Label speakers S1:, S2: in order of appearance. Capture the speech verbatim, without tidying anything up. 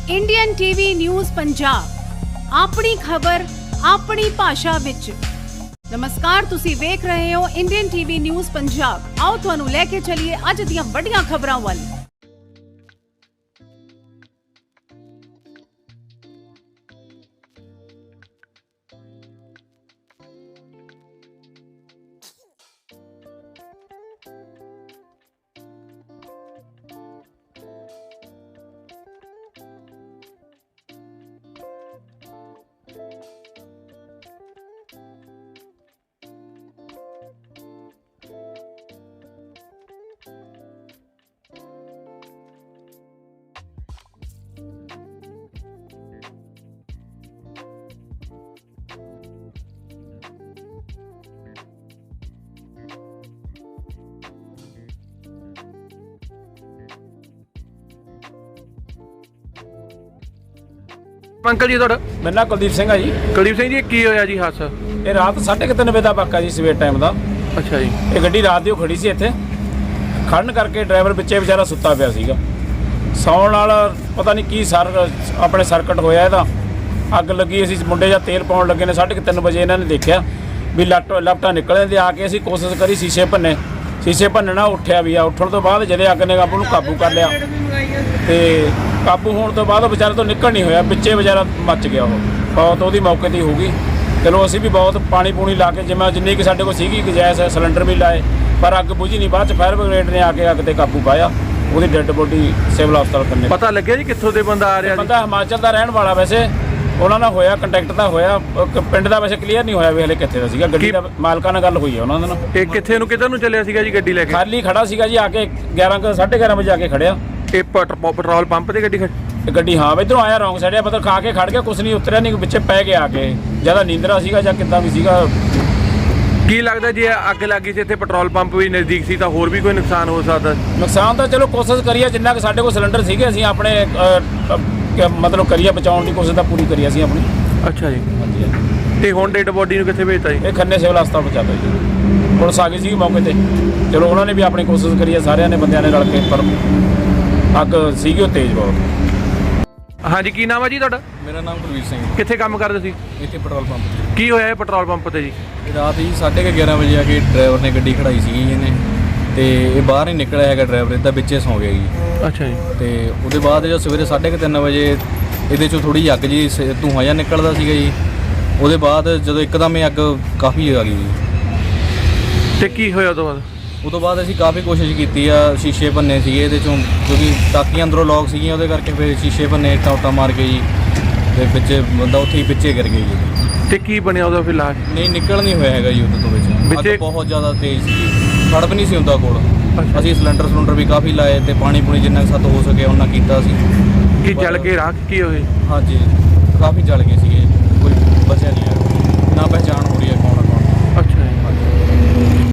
S1: Indian TV news Punjab अपनी खबर अपनी भाषा विच। नमस्कार, तुसी वेख रहे हो इंडियन टीवी न्यूज़ पंजाब। आओ तुहानू लेके चलिए अज दियां वड्डियां खबरां वल।
S2: अंकल जी ਤੁਹਾਡਾ
S3: मेरा नाम कुलदीप सिंह है जी।
S2: ਕੁਲਦੀਪ ਸਿੰਘ ਜੀ ਕੀ ਹੋਇਆ ਜੀ ਹਾਦਸਾ?
S3: ये रात साढ़े तीन बजे का वाक़ा जी, सवेर टाइम का।
S2: ਅੱਛਾ ਜੀ।
S3: ये गड्डी रात दी खड़ी सी इत्थे, खड़न करके ड्राइवर पिछे बेचारा सुत्ता पिया सीगा। सौण नाल पता नहीं की सर अपने सर्किट होया इहदा, अग लगी। असीं मुंडे जा तेल पाउण लगे ने, साढ़े तीन बजे इन्हां ने देखिया भी लट लपटा निकले ते आके असीं कोशिश करी शीशे भन्ने, शीशे भन्नना उठिया भी आ। उठण तो बाद जदे अग ने आपू काबू कर लिया ते काबू होने तो बाद बेचारे तो निकल नहीं होया, पिछे बेचारा मच गया। वो बहुत ਉਹਦੀ मौके ਤੇ हो गई। चलो असीं भी बहुत पानी पूनी ला के जिवें जिन्नी कि साडे कोल सीगी गैस सिलेंडर भी लाए, पर अग बुझी नहीं। बाद च फायर ब्रिगेड ने आके अग ते काबू पाया। ਉਹਦੀ ਡੈੱਡ ਬੋਡੀ ਸਿਵਲ ਹਸਪਤਾਲ ਕੰਨੇ।
S2: ਪਤਾ ਲੱਗਿਆ ਜੀ ਕਿੱਥੋਂ ਦੇ ਬੰਦਾ ਆ ਰਿਹਾ ਜੀ?
S3: ਬੰਦਾ ਹਿਮਾਚਲ ਦਾ ਰਹਿਣ ਵਾਲਾ, ਵੈਸੇ ਉਹਨਾਂ ਨਾਲ ਹੋਇਆ ਕੰਟੈਕਟ ਤਾਂ ਹੋਇਆ, ਪਿੰਡ ਦਾ ਵੈਸੇ ਕਲੀਅਰ ਨਹੀਂ ਹੋਇਆ ਵੀ ਹਲੇ ਕਿੱਥੇ ਦਾ ਸੀਗਾ। ਗੱਡੀ ਦਾ ਮਾਲਕਾਂ ਨਾਲ ਗੱਲ ਹੋਈ ਹੈ ਉਹਨਾਂ ਦੇ ਨਾਲ।
S2: ਇਹ ਕਿੱਥੇ ਨੂੰ ਕਿੱਧਰ ਨੂੰ ਚੱਲਿਆ ਸੀਗਾ ਜੀ ਗੱਡੀ ਲੈ ਕੇ?
S3: ਖਾਲੀ ਖੜਾ ਸੀਗਾ ਜੀ, ਆ ਕੇ ਗਿਆਰਾਂ ਸਾਢੇ ਗਿਆਰਾਂ ਵਜੇ ਆ ਕੇ ਖੜਿਆ।
S2: ਇਹ ਪੈਟਰੋਲ ਪੰਪ ਤੇ ਗੱਡੀ ਖੜੀ?
S3: ਗੱਡੀ ਹਾਂ ਇੱਧਰੋਂ ਆਇਆ ਰੌਂਗ ਸਾਈਡ, ਮਤਲਬ ਖਾ ਕੇ ਖੜ ਗਿਆ, ਕੁਛ ਨਹੀਂ ਉਤਰਿਆ, ਨਹੀਂ ਵਿੱਚੇ ਪੈ ਗਿਆ ਆ ਕੇ। ਜਿਆਦਾ ਨੀਂਦਰਾ ਸੀਗਾ ਜਾਂ ਕਿੱਦਾਂ ਵੀ ਸੀਗਾ।
S2: ਕੀ ਲੱਗਦਾ ਜੇ ਅੱਗ ਲੱਗੀ ਸੀ ਇੱਥੇ ਪੈਟਰੋਲ ਪੰਪ ਵੀ ਨਜ਼ਦੀਕ ਸੀ ਤਾਂ ਹੋਰ ਵੀ ਕੋਈ ਨੁਕਸਾਨ ਹੋ ਸਕਦਾ?
S3: ਨੁਕਸਾਨ ਤਾਂ ਚਲੋ ਕੋਸ਼ਿਸ਼ ਕਰੀਏ, ਜਿੰਨਾ ਕਿ ਸਾਡੇ ਕੋਲ ਸਿਲੰਡਰ ਸੀਗੇ ਅਸੀਂ ਆਪਣੇ ਮਤਲਬ ਕਰੀਏ ਬਚਾਉਣ ਦੀ ਕੋਸ਼ਿਸ਼ ਤਾਂ ਪੂਰੀ ਕਰੀ ਅਸੀਂ ਆਪਣੀ।
S2: ਅੱਛਾ ਜੀ।
S3: ਹਾਂਜੀ ਹਾਂਜੀ।
S2: ਤੇ ਹੁਣ ਡੈਡ ਬੋਡੀ ਨੂੰ ਕਿੱਥੇ ਭੇਜਤਾ ਜੀ?
S3: ਇਹ ਖੰਨੇ ਸਿਵਲ ਹਸਪਤਾਲ ਪਹੁੰਚਾਤਾ ਜੀ। ਪੁਲਿਸ ਆ ਗਈ ਸੀ ਮੌਕੇ ਤੇ, ਚਲੋ ਉਹਨਾਂ ਨੇ ਵੀ ਆਪਣੀ ਕੋਸ਼ਿਸ਼ ਕਰੀ ਹੈ, ਸਾਰਿਆਂ ਨੇ ਬੰਦਿਆਂ ਨੇ ਰਲ ਕੇ, ਪਰ ਅੱਗ ਸੀਗੀ ਉਹ ਤੇਜ਼ ਬਹੁਤ।
S2: ਹਾਂਜੀ, ਕੀ ਨਾਮ ਹੈ ਜੀ ਤੁਹਾਡਾ?
S4: मेरा नाम कुलवीर सिंह।
S2: ਕਿੱਥੇ ਕੰਮ ਕਰਦੇ ਸੀ?
S4: इतने पेट्रोल पंप ਤੇ।
S2: ਕੀ ਹੋਇਆ ਇਹ ਪੈਟਰੋਲ ਪੰਪ ਤੇ ਜੀ?
S4: ਰਾਤ ਹੀ ਸਾਢੇ ਕੁ ਗਿਆਰਾਂ ਵਜੇ ਆ ਕੇ ਡਰਾਈਵਰ ਨੇ ਗੱਡੀ ਖੜਾਈ ਸੀਗੀ ਇਹਨੇ, ਤੇ ਇਹ ਬਾਹਰ ਨਹੀਂ ਨਿਕਲਿਆ ਹੈਗਾ ਡਰਾਈਵਰ, ਇਹਦਾ ਵਿੱਚੇ ਸੌਂ ਗਿਆ ਜੀ।
S2: ਅੱਛਾ ਜੀ।
S4: ਤੇ ਉਹਦੇ ਬਾਅਦ ਜਦੋਂ ਸਵੇਰੇ ਸਾਢੇ ਕੁ ਤਿੰਨ ਵਜੇ ਇਹਦੇ ਚੋਂ ਥੋੜੀ ਜਿਹੀ ਅੱਗ ਜੀ ਧੂੰਆਂ ਜਿਹਾ ਨਿਕਲਦਾ ਸੀਗਾ ਜੀ। ਉਹਦੇ ਬਾਅਦ ਜਦੋਂ ਇੱਕਦਮ ਇਹ ਅੱਗ ਕਾਫੀ ਆ ਗਈ ਜੀ।
S2: ਤੇ ਕੀ ਹੋਇਆ ਉਹ ਤੋਂ ਬਾਅਦ?
S4: ਉਹ ਤੋਂ ਬਾਅਦ ਅਸੀਂ ਕਾਫੀ ਕੋਸ਼ਿਸ਼ ਕੀਤੀ ਆ, ਸ਼ੀਸ਼ੇ ਭੰਨੇ ਸੀਗੇ ਇਹਦੇ ਚੋਂ, ਕਿਉਂਕਿ ਟਾਕੀਆਂ ਅੰਦਰੋਂ ਲੌਕ ਸੀਗੀਆਂ, ਉਹਦੇ ਕਰਕੇ ਫਿਰ ਸ਼ੀਸ਼ੇ ਭੰਨੇ, ਇੱਟਾਂ ਉੱਟਾਂ ਮਾਰ ਕੇ ਜੀ, ਤੇ ਪਿੱਛੇ ਬੰਦਾ ਉੱਥੇ ਹੀ ਪਿੱਛੇ ਗਿਰ ਗਿਆ ਜੀ।
S2: ਤੇ ਕੀ ਬਣਿਆ ਉਹਦਾ ਫਿਰ ਲਾਸ਼?
S4: ਨਹੀਂ ਨਿਕਲ ਨਹੀਂ ਹੋਇਆ ਹੈਗਾ ਜੀ ਉਹਦੇ ਤੋਂ ਵਿੱਚ। ਅੱਗ ਬਹੁਤ ਜ਼ਿਆਦਾ ਤੇਜ਼ ਸੀ, ਖੜਪ ਨਹੀਂ ਸੀ ਹੁੰਦਾ ਕੋਲ। ਅਸੀਂ ਸਿਲੰਡਰ ਸਿਲੰਡਰ ਵੀ ਕਾਫੀ ਲਾਏ ਤੇ ਪਾਣੀ ਪੂਣੀ ਜਿੰਨਾ ਕੁ ਸਾਤੋਂ ਹੋ ਸਕਿਆ ਉਹਨਾਂ ਕੀਤਾ ਸੀ।
S2: ਕੀ ਜਲ ਕੇ ਰਾਖ ਕੀ ਹੋਏ?
S4: ਹਾਂਜੀ, ਕਾਫੀ ਜਲ ਗਏ ਸੀਗੇ, ਕੋਈ ਬਚਿਆ ਨਹੀਂ ਹੈ, ਨਾ ਪਹਿਚਾਣ ਹੋ ਰਹੀ ਹੈ।